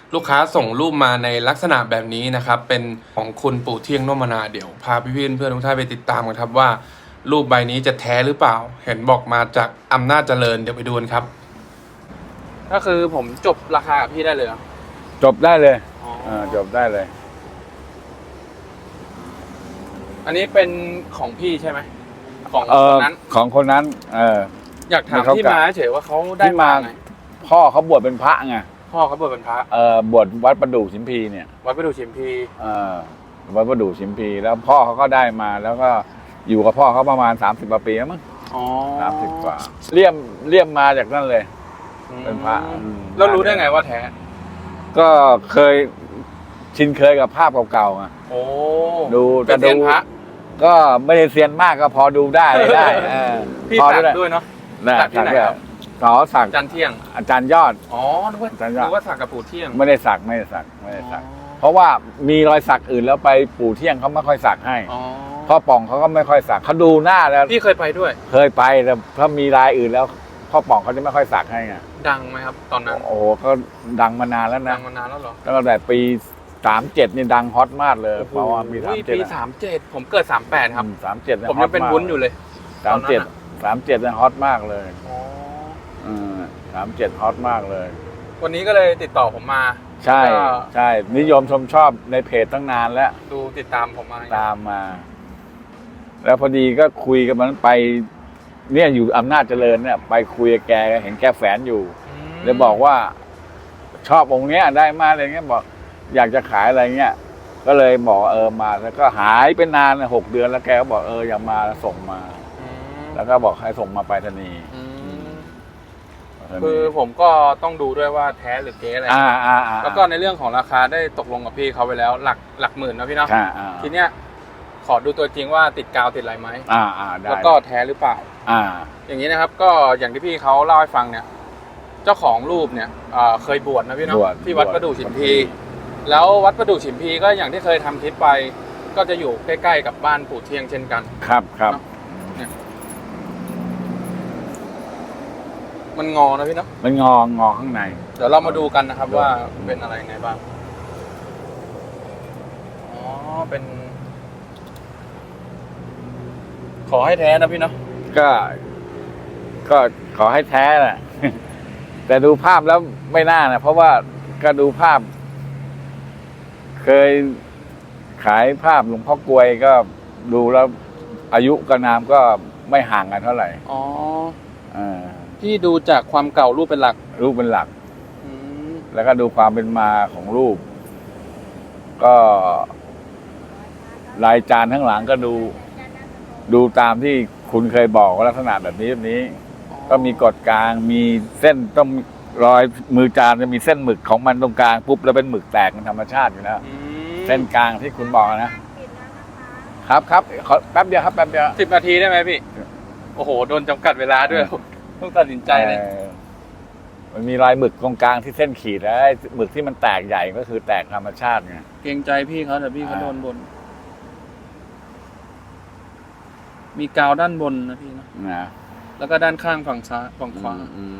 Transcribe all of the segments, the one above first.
ลูกค้าส่งรูปมาในลักษณะแบบนี้นะครับเป็นของคุณปู่เที่ยงนมนาเดี๋ยวพาพี่เพื่อนทุกท่านไปติดตามกันครับว่ารูปใบนี้จะแท้หรือเปล่าเห็นบอกมาจากอำนาจเจริญเดี๋ยวไปดูกันครับก็คือผมจบราคากับพี่ได้เลยจบได้เลยจบได้เลยอันนี้เป็นของพี่ใช่ไหมของคนนั้นของคนนั้นอยากถามที่มาเฉยว่าเขาได้มาไงพ่อเขาบวชเป็นพระไงพ่อเขาบวชเป็นพระบวชวัดประดู่ชิมพีเนี่ยวัดประดู่ชิมพีวัดประดู่ชิมพีแล้วพ่อเขาก็ได้มาแล้วก็อยู่กับพ่อเขาประมาณ30 กว่าปีแล้วมั้ง30 กว่าเลี่ยมมาจากนั่นเลยเป็นพระแล้วรู้ได้ไงว่าแท้ก็เคยชินเคยกับภาพเก่าๆอ่ะดูเป็นเซียนพระก็ไม่ได้เซียนมากก็พอดูได้พี่สักด้วยเนาะสักที่ไหนครับสักอาจารย์เที่ยงอาจารย์ยอดนึกว่าสักกับปู่เที่ยงไม่ได้สักเพราะว่ามีรอยสักอื่นแล้วไปปู่เที่ยงเขาไม่ค่อยสักให้พ่อป่องเขาก็ไม่ค่อยสักเขาดูหน้าแล้วพี่เคยไปด้วยเคยไปแต่ถ้ามีรายอื่นแล้วพ่อป่องเขาจะไม่ค่อยสักให้ไงดังไหมครับตอนนั้นโอ้ก็ดังมานานแล้วนะดังมานานแล้วเหรอตั้งแต่ปี37นี่ดังฮอตมากเลยเพราะว่ามีปี37ผมเกิด38ครับ 37 ผมยังเป็นวุ้นอยู่เลย 37นี่ฮอตมากเลย37ฮอตมากเลยวันนี้ก็เลยติดต่อผมมาใช่นิยมชมชอบในเพจตั้งนานแล้วดูติดตามผมมาตามมาแล้วพอดีก็คุยกับมันไปเนี่ยอยู่อำนาจเจริญเนี่ยไปคุยกับแกเห็นแกแฝนอยู่เลยบอกว่าชอบองค์เนี้ยได้มาอะไรเงี้ยบอกอยากจะขายอะไรเงี้ยก็เลยบอกมาแล้วก็หายไปนาน6 เดือนแล้วแกก็บอกอยากมาส่งมาแล้วก็บอกให้ส่งมาไปรษณีย์คือผมก็ต้องดูด้วยว่าแท้หรือเก๊อะไรแล้วก็ในเรื่องของราคาได้ตกลงกับพี่เขาไปแล้วหลักหมื่นนะพี่เนาะทีเนี้ยขอดูตัวจริงว่าติดกาวติดอะไรไหมแล้วก็แท้หรือเปล่าอย่างนี้นะครับก็อย่างที่พี่เขาเล่าให้ฟังเนี่ยเจ้าของรูปเนี่ยเคยบวชนะพี่เนาะที่วัดประดู่ฉิมพีแล้ววัดประดู่ฉิมพีก็อย่างที่เคยทำคลิปไปก็จะอยู่ใกล้ๆกับบ้านปู่เที่ยงเช่นกันครับมันงอนะพี่เนาะมันงอข้างในเดี๋ยวเรามาดูกันนะครับว่าเป็นอะไรไงบ้างเป็นขอให้แท้นะพี่เนาะก็ขอให้แท้แหละแต่ดูภาพแล้วไม่น่านะเพราะว่าก็ดูภาพเคยขายภาพหลวงพ่อกลวยก็ดูแล้วอายุกับนามก็ไม่ห่างกันเท่าไหร่พี่ดูจากความเก่ารูปเป็นหลักแล้วก็ดูความเป็นมาของรูปก็ลายจานข้างหลังก็ดูตามที่คุณเคยบอกว่าลักษณะแบบนี้ก็มีกฎกลางมีเส้นต้องรอยมือจานจะมีเส้นหมึกของมันตรงกลางปุ๊บแล้วเป็นหมึกแตกเป็นธรรมชาติอยู่แล้วเส้นกลางที่คุณบอกนะครับขอแป๊บเดียวครับแป๊บเดียว 10 นาทีได้ไหมพี่โอ้โหโดนจำกัดเวลาด้วยต้องตัดสินใจเลยมันมีรอยหมึกตรงกลางที่เส้นขีดแล้วหมึกที่มันแตกใหญ่ก็คือแตกธรรมชาติไงเกรงใจพี่เขาแต่พี่เขาโดนบนมีกาวด้านบนนะพี่นะแล้วก็ด้านข้างฝั่งซ้ายฝั่งขวา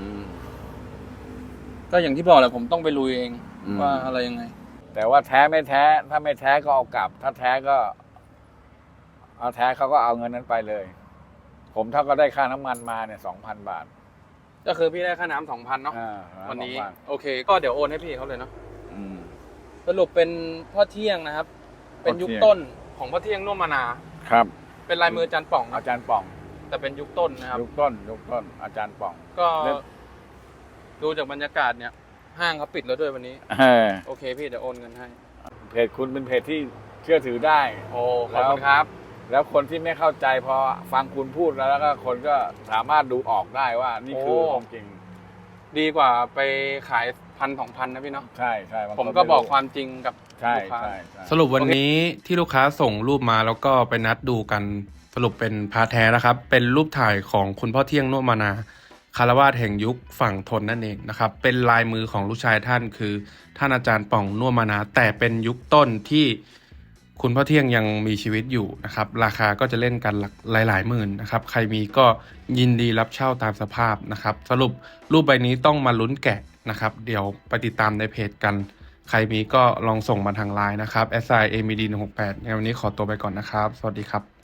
ก็อย่างที่บอกแหละผมต้องไปลุยเองว่าอะไรยังไงแต่ว่าแท้ไม่แท้ถ้าไม่แท้ก็เอากลับถ้าแท้ก็เอาแท้เขาก็เอาเงินนั้นไปเลยผมเท่าก็ได้ค่าน้ำมันมาเนี่ย2,000 บาทก็คือพี่ได้ค่าน้ำ2,000เนาะวันนี้โอเคก็เดี๋ยวโอนให้พี่เขาเลยเนาะสรุปเป็นพ่อเที่ยงนะครับเป็นยุคต้นของพ่อเที่ยงน่วมนาครับเป็นลายมืออาจารย์ป่องอาจารย์ป่องแต่เป็นยุคต้นนะครับยุคต้นอาจารย์ป่องก็ดูจากบรรยากาศเนี่ยห้างเขาปิดแล้วด้วยวันนี้โอเคพี่เดี๋ยวโอนเงินให้เพจคุณเป็นเพจที่เชื่อถือได้โอ้ขอบคุณครับแล้วคนที่ไม่เข้าใจพอฟังคุณพูดแล้วก็คนก็สามารถดูออกได้ว่านี่คือของจริงดีกว่าไปขาย1,000-2,000นะพี่เนาะใช่ผมก็บอกความจริงกับลูกค้าสรุปวันนี้ที่ลูกค้าส่งรูปมาแล้วก็ไปนัดดูกันสรุปเป็นพาแท้นะครับเป็นรูปถ่ายของคุณพ่อเที่ยงน่วมนาคารวาสแห่งยุคฝั่งทนนั่นเองนะครับเป็นลายมือของลูกชายท่านคือท่านอาจารย์ป่องน่วมนาแต่เป็นยุคต้นที่คุณพ่อเที่ยงยังมีชีวิตอยู่นะครับราคาก็จะเล่นกันหลายหมื่นนะครับใครมีก็ยินดีรับเช่าตามสภาพนะครับสรุปรูปใบนี้ต้องมาลุ้นแกะนะครับเดี๋ยวไปติดตามในเพจกันใครมีก็ลองส่งมาทางไลน์นะครับ @amd168 ในวันนี้ขอตัวไปก่อนนะครับ สวัสดีครับ